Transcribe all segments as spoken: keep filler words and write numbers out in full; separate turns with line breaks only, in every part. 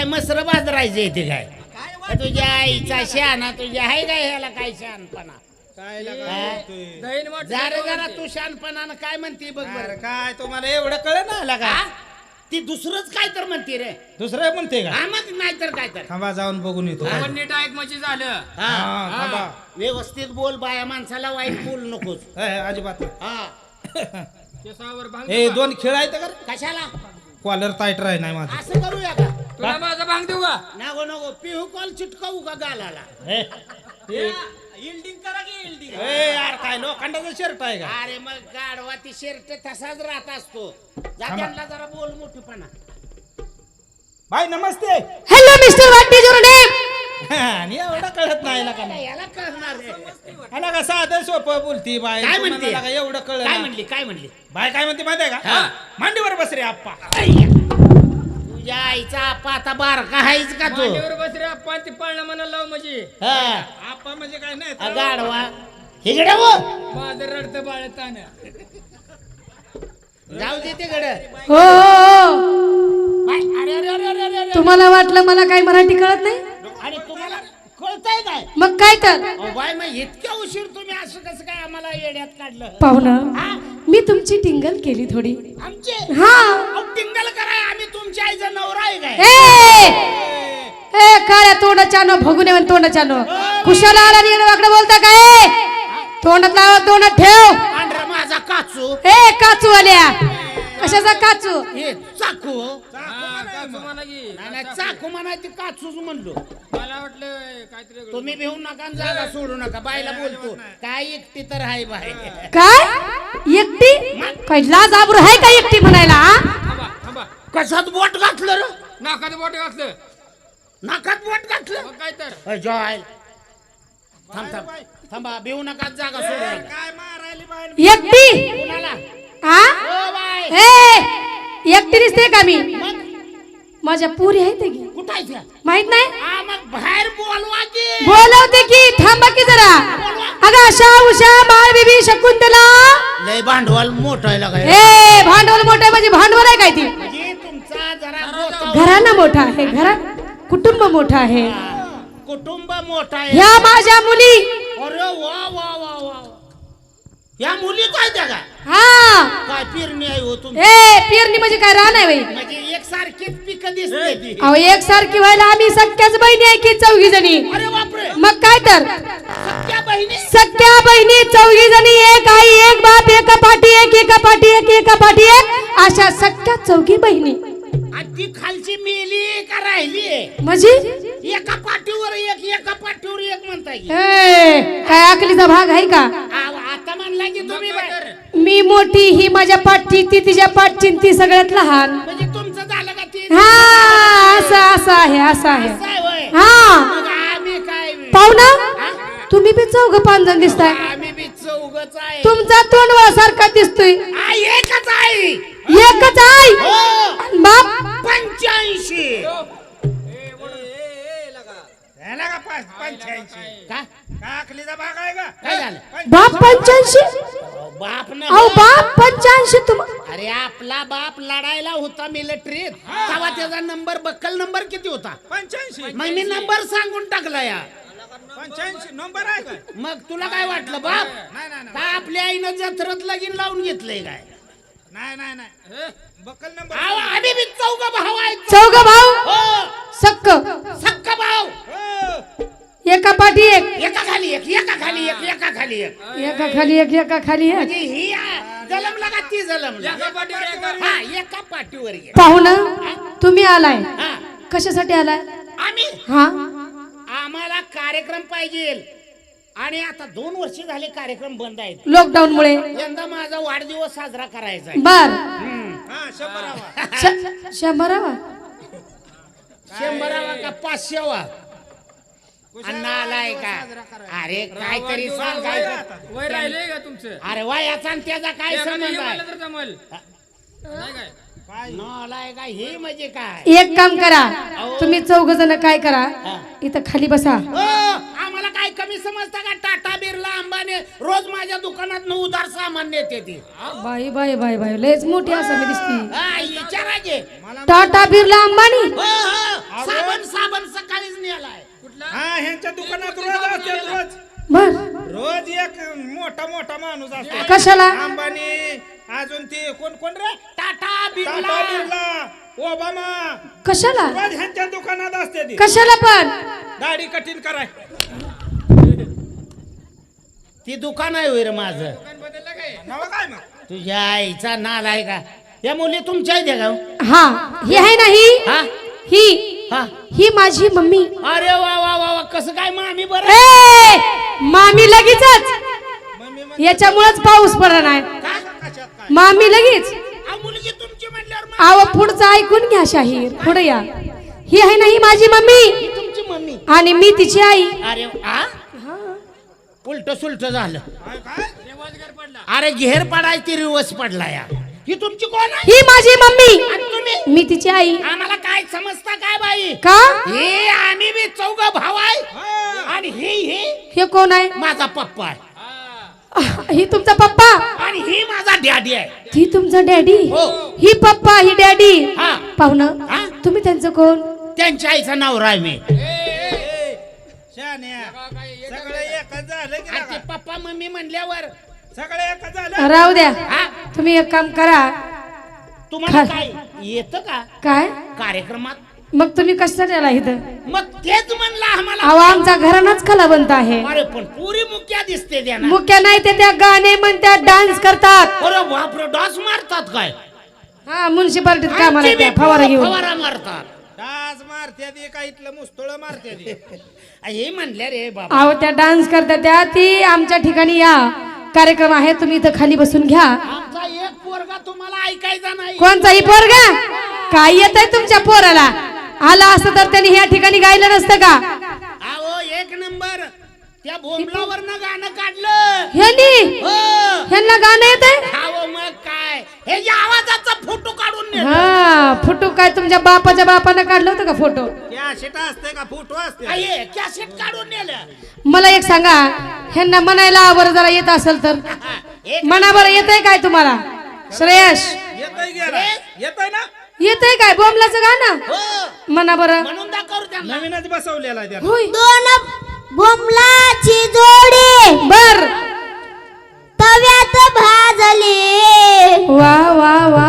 काय मसर बाजरायचं येते काय तुझ्या आईचा शहाणा तुझ्या आहे काय ह्याला काय शहाणपणा
काय
जरा जरा तू शहाणपणानं काय म्हणते बघ बरं.
काय तुम्हाला एवढं कळ ना आला का
हा? ती दुसरंच काय तर म्हणते रे
दुसरं म्हणते का
हा मग नाही तर काय तर
थांबा जाऊन बघून येतो
हा.
नीट ऐक म्हणजे झालं
हा.
हा, थांबा.
व्यवस्थित बोल बाया माणसाला वाईट बोल नकोस
हे, हे, अजिबात नाही.
हा
केसावर भांग
हे
देऊ का?
दोन खेळ आहेत का रे?
कशाला
कॉलर टाईट राही नाही माझं
असं करूया का
तुला माझा भांग देऊ का
नको नको पिहू कॉल चिटकावू का गालाला
हे, हे.
इल्डिंग करा की इल्डिंग
ए, यार काय लोखंडाचा शर्ट आहे का
अरे मग गाडवा ती शर्ट तसाच राहत असतो जात्यांना जरा बोल मोठीपणा
भाई नमस्ते
hello mister what is your name
आणि एवढं कळत नाही ना का
याला कळणार रे
आला का साधं सोपं बोलती बाय
काय
तुम्हाला
म्हणते?
लागा एवढं
काय
कळलं
म्हणली काय म्हणली
बाय काय म्हणते माहिती आहे का
हा.
मांडीवर बस रे आप्पा
तुझ्या आईचा आपा आता बारका आहेच का तू
मांडीवर बस रे आपण ती पाळणं म्हणायला लाव म्हणजे
हा
आप्पा म्हणजे काय नाही
आ, गाडवा हिकडे वो
माझं रडतं बाळ तान
जाऊ दे ते गड
हो हो.
अरे अरे अरे अरे अरे अरे
तुम्हाला वाटलं मला काही मराठी कळत नाही
आणि तुम्हाला कळतंय काय
मग काय तर
अहो, बाय मग इतक्या उशीर तुम्ही असं कसं काय आम्हाला येड्यात काढलं
पाहुणं
हा?
मी तुमची टिंगल केली थोडी
आमचे
हा
अहो, टिंगल कराय आम्ही तुमच्या आईचा नवरा आहे काय
ए ए काळ्या तोंडाच्या नो भगुने म्हण तोंडाच्या नो कुशाला आला आणि इकडे वाकडे बोलता काय तोंडात लावा तोंडात ठेव
पांढरा माझा काचू
ए काचू आल्या कशाचा काचू
हे चाकू
म्हणा की
नाही नाही, चाकू म्हणायची काचूच म्हणलो
मला वाटलं काहीतरी वेगळं.
तुम्ही भिवू नका आणि जागा सोडू नका बायला बोलतो काय एकटी तर आहे बाय
काय एकटी काय लाज आबरू आहे का एकटी म्हणायला हा?
थांबा थांबा
कशात बोट घातलं र
नाकात बोट घातलं
नाकात बोट घातलं
मग काय तर
अय, जॉय थांब थांब थांबा भिवू नका जागा सोडू नका
काय मारायली बाय
एकटी
कुणाला
हा
ओ बाय
ए एकटी दिसते का मी
मग
माझ्या पुरी आहेत की
कुठं आहे त्या?
माहित नाही
हा मग बाहेर बोलवा की
बोलवते की थांबा की जरा अगं आशा उषा बाळ बेबी शकुंतला
लय भांडवल मोठं आहे लगाय
ए भांडवल मोठं आहे म्हणजे भांडवल आहे काय ती
म्हणजे तुमचा जरा बोटावर-
घराणं मोठं आहे घरा कुटुंब मोठं आहे
कुटुंब मोठा आहे
ह्या माझ्या मुली
अरे वा वा वा वा या मुली काय त्या का
हा
काय पेरणी आहे हो तुमची
ए पेरणी म्हणजे काय रान आहे बाई
म्हणजे एक सारखीच पिक दिसते ती
अहो एकसारखी व्हायला आम्ही सख्याच बहिणी आहे की चौघी जणी
अरे बापरे
मग काय तर
सख्या बहिणी
सख्या बहिणी चौघी जणी एक आई एक बाप एका पाठी एक एका पाठी एक एका पाठी एक अशा सख्या चौघी बहिणी
आणि ती खालची मेली का राहिली
म्हणजे
एका पाठीवर एक एका पाठीवर एक म्हणताय की
ए, काय अकलीचा भाग आहे का
आव, आता म्हणला की तुम्ही
मग काय
बाय.
तर?
मी मोठी ही माझ्या पाठची ती तिच्या पाठची ती सगळ्यात लहान
म्हणजे तुमचं झालं का ती
हा असं असं आहे असं आहे
असं आहे होय.
हा
मग आम्ही काय
पाहुणा
हा?
तुम्ही बी चौघ पाच जण दिसताय
आम्ही बी चौघच आहे
तुमचा तोंडवा सारखा दिसतोय
आ, एकच आहे
एकच आई
हो
बाप
पंच्याऐंशी
याला का पाच पंच्याऐंशी
का
काकलीचा भाग आहे का
काय झालं
बाप पंच्याऐंशी
बाप न
अहो बाप पंच्याऐंशी तुम
अरे आपला बाप लढायला होता मिलिटरीत तेव्हा त्याचा नंबर बक्कल नंबर किती होता
पंच्याऐंशी
मग मी नंबर सांगून टाकला या
पंच्याऐंशी नंबर आहे का
मग तुला काय वाटलं बाप
नाही नाही
का आपल्या आईनं जत्रत लगीन लावून घेतलंय काय
नाही नाही नाही बक्कल नंबर
आव, आम्ही बी चौघ भाऊ आहेत
चौघ भाऊ
हो
सक्क
सक्का भाऊ
हो.
एका पाठी एक
एका खाली एक एका खाली एक एका खाली एक
एका खाली एक एका खाली एक
म्हणजे ही आ, जलमला का ती जलमला
एका पाठीवर एका.
हा एका पाठीवर एक
पाहुणं तुम्ही आलाय
हा
कशासाठी आलाय
आम्ही
हा
आम्हाला कार्यक्रम पाहिजे आणि आता दोन वर्ष झाले कार्यक्रम बंद आहेत
लॉकडाऊन मुळे
यंदा माझा वाढदिवस साजरा करायचा आहे
बर
हा शंभरावा
श- शंभरावा
शंभरावा का पाचशेवा अण्णा आलाय का अरे काहीतरी सांगायचं
वय राहिले का तुमचं
अरे वयाचा आणि त्याचा काय
एखादं
संबंध
हे
आहे
म्हणलं तर जमल नाही काय
नालाय का हे म्हणजे काय
एक काम करा तुम्ही चौघ जण काय करा इथं खाली बसा
हो आम्हाला काय कमी समजता का टाटा बिर्ला अंबानी रोज माझ्या दुकानात उधार सामान नेते ती
बाई बाई बाई बाई लयच मोठी असं मी दिसती
हा विचारा की
टाटा बिर्ला अंबानी
हो हो
मोठा माणूस असतो
कशाला
अंबानी अजून ते कोण कोण रे
टाटा
टाटा
बिर्ला
बिर्ला ओबामा
कशाला
रोज ह्यांच्या दुकानात असते ती
कशाला पण
दाढी कठीण कराय
ती दुकान आहे होय रे माझं
बदललं काय
नाव काय मग
तुझ्या आईचा नाल आहे का या मुली तुमच्या इथे का
हा ही आहे ना ही
हा
ही
हा
ही माझी मम्मी
अरे वा वा वा वा कसं काय मामी बरं
ए मामी लगेचच
मम्मी मग
याच्यामुळेच पाऊस पडला नाही
कशात काय
मामी लगेच
आ, मुलगी तुमची म्हटल्यावर मा-
आव पुढचं ऐकून घ्या शाहीर पुढे या ही आहे ना ही माझी मम्मी
ही तुमची मम्मी
आणि मी तिची आई
अरे आ उलट सुलट झालं
काय काय
रेवाजगर पडला
अरे घेर पडायची रिवर्स पडला या ही तुमची कोण आहे
ही माझी मम्मी
आणि तुम्ही
मी तिची आई
आम्हाला काय समजता काय बाई
का
हे आम्ही बी चौघ भाव आहे
हा.
आणि ही ही
हे कोण आहे
माझा पप्पा आहे
आह, ही तुमचा पप्पा
आणि ही माझा डॅडी आहे
ही तुमचा डॅडी
हो.
ही पप्पा ही डॅडी
हा
पाहुणं
हा?
तुम्ही त्यांचं कोण
त्यांच्या आईचा नवरा आहे मी
ए, शान्या सगळं एकच झालं की
आणि ते
नाही?
पप्पा मम्मी म्हणल्यावर
सगळं एकच झालं
राहू द्या
हा
तुम्ही एक काम करा
तुम्हाला
खा-
काय येतं का
काय
कार्यक्रमात
मग तुम्ही कशासाठी आला इथं
मग तेच म्हणलं आम्हाला
अहो आमचा घरानाच कलावंत आहे
अरे पण पुरी मुक्या दिसते त्यांना
मुख्य नाही ते त्या गाणे म्हणतात डान्स करतात
अरे बापरे डास मारतात काय
हा म्युन्सिपालिटीत कामाला
आमची
आहेत त्या
बी
फवारा घेऊन
फवारा मारतात
डास मारते ती का इथलं मुस्तळ मारते ती
आ, हे म्हणले रे बाबा
अहो त्या डान्स करतात त्या ती आमच्या ठिकाणी या कार्यक्रम आहे तुम्ही इथं खाली बसून घ्या
आमचा एक पोरगा तुम्हाला ऐकायचा नाही
कोणताही पोरगा काय येत आहे तुमच्या पोराला आला असतं तर त्यांनी ह्या ठिकाणी गायलं नसतं का
अहो एक नंबर त्या भोमलावरनं गाणं काढलं
ह्यांनी
हो
ह्यांना गाणं येत आहे
अहो मग काय हे या आवाजाचा फोटो काढून नेलं.
हा फोटो काय तुमच्या बापाच्या बापानं काढलं होतं का फोटो
कॅसेट असते का फोटो असते
आ, हे कॅसेट काढून नेलं
मला एक सांगा ह्यांना म्हणायला बरं जरा येत असेल तर
हा, एक
म्हणा बरं येतंय काय तुम्हाला श्रेयश
येतोय गेला येतोय ना
येतंय काय बोमलाचं गाणं
हो
म्हणा बरं
म्हणून दाखवू त्यांना
नवीनच बसवलेला आहे त्याला
होय
दोन बोमलाची जोडी
बर
तव्यात भाजली
वा वा वा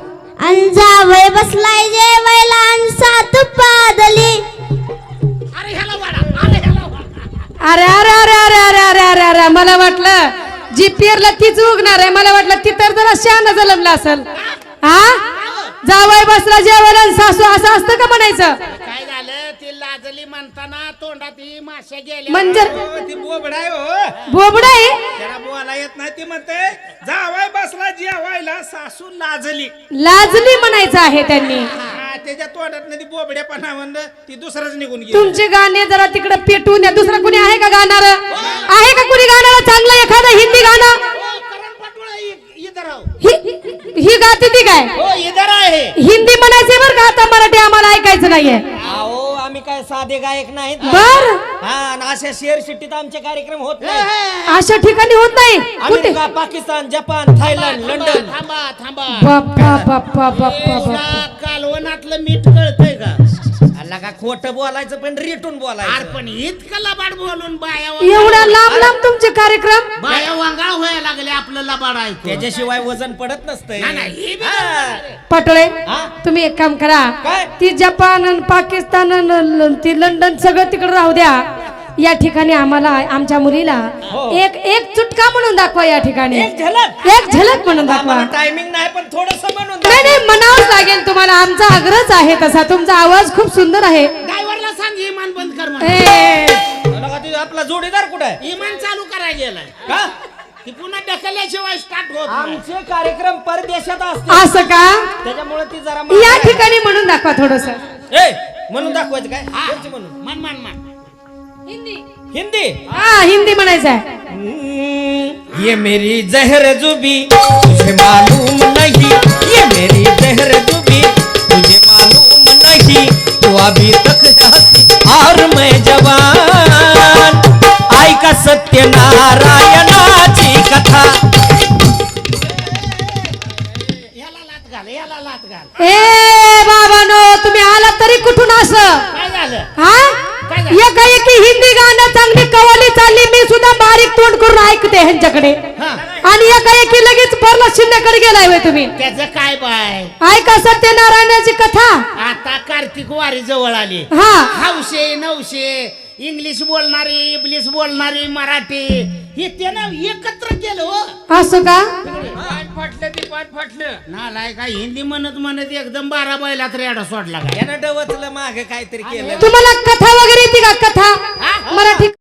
अंजावय बसलाय जेवायला अन सात पादली
अरे ह्याला वाडा अरे ह्याला वाडा
अरे अरे अरे अरे अरे अरे अरे अरे मला वाटलं जी पेरला तीच उगणार आहे मला वाटलं ती तर जरा शहाणा जलमला असेल हा जावय बसला जेवायला आणि सासू असं असतं का म्हणायचं
काय झालं ती लाजली म्हणताना तोंडात ही माश्या गेल्या
म्हणजे
हो, ती बोबडा आहे हो
बोबड आहे
त्याला बोला येत नाही ती म्हणते जावाय बसला जेवायला सासू लाजली
लाजली म्हणायचं आहे त्यांनी
हा, त्याच्या तोंडात ती बोबड्यापणा म्हणलं ती दुसरंच निघून गेली
तुमचे गाणे जरा तिकडे पेटवून द्या दुसरं कुणी आहे का गाणार आहे का कुणी गाणार चांगलं एखादं हिंदी गाणं
हो, करण पाटोळा इ- इधर आओ.
ही ही गाते ती काय
हो इधर आहे
हिंदी म्हणायचे बरं का आता मराठी आम्हाला ऐकायचं नाहीये
अहो आम्ही काय साधे गायक नाहीत
बर
हा आणि अशा शेअर शिट्टीत आमचे कार्यक्रम होत नाही
अशा ठिकाणी होत नाही कुठे
अमेरिका पाकिस्तान जपान थायलंड
थांबा
लंडन
थांबा थांबा
बाप्पा बाप्पा बाप्पा बाप्पा
एवढा कालवनातलं मीठ कळतंय का
अल्ला का खोटं बोलायचं पण रिटून
अरे
बोलायचं
पण इतकं लबाड बोलून बाया
एवढा लांब लांब तुमचे कार्यक्रम
बाया वांगाळ व्हायला लागले आपलं लबाड ऐकून
त्याच्याशिवाय वजन पडत नसतंय
नाही, नाही, हे बी
हा.
बरोबर आहे.
पाटोळे
हा?
तुम्ही एक काम करा
काय?
ती जपान आणि पाकिस्तान आणि ल- ती लंडन सगळं तिकडे राहू द्या या ठिकाणी आम्हाला आमच्या मुलीला
हो.
एक एक चुटका म्हणून दाखवा या ठिकाणी
एक झलक
एक झलक म्हणून दाखवा
आम्हाला टायमिंग नाही पण थोडस म्हणून
नाही नाही म्हणावंच लागेल तुम्हाला आमचा आग्रहच आहे तसा तुमचा आवाज खूप सुंदर आहे
ड्रायव्हरला सांग इमान बंद कर म्हणून.
ए,
दाखवा. का तुझा आपला जोडीदार कुठे आहे
इमान चालू करायला गेलाय
का
ती पुन्हा ढकलल्याशिवाय स्टार्ट होत नाही.
आमचे कार्यक्रम परदेशात असते
असं का
त्याच्यामुळे ती जरा
या
महाग आहे.
ठिकाणी म्हणून दाखवा थोडस
ए, म्हणून दाखवायचं काय
हा.
कोणची म्हणून
मन मन मन
हिंदी
हा हिंदी म्हणायचं आहे
हम्म, ये मेरी जहर जुबी तुझे मालूम नहीं ये मेरी जहर जुबी तुझे मालूम नहीं तू अभी तक हंसी और मैं जवान आई का सत्यनारायणाची कथा
याला लात घाल याला लात घाल
ए बाबानो तुम्ही आला तरी कुठून असं
काय झालं
हा
काय झालं?
एकाएकी हिंदी गाणं चांगली कवाली चालली मी सुद्धा बारीक तोंड करून ऐकते ह्यांच्याकडे
हा.
आणि एकाएकी लगेच परला शिंद्याकडे गेलाय होय तुम्ही
त्याचं काय बाय
ऐका सत्यनारायणाची कथा
आता कार्तिक वारी जवळ आली
हा
हौशे नऊशे इंग्लिश बोलणारी इंग्लिश बोलणारी मराठी हे त्यानं एकत्र केलं हो
असं का
पाठ फाटलं ती पाठ फाटलं
नालाय का हिंदी म्हणत म्हणत एकदम बारा बैलात रेडा सोडला का
यानं डवचलं मागे काहीतरी केलं
तुम्हाला कथा वगैरे येते का कथा मराठी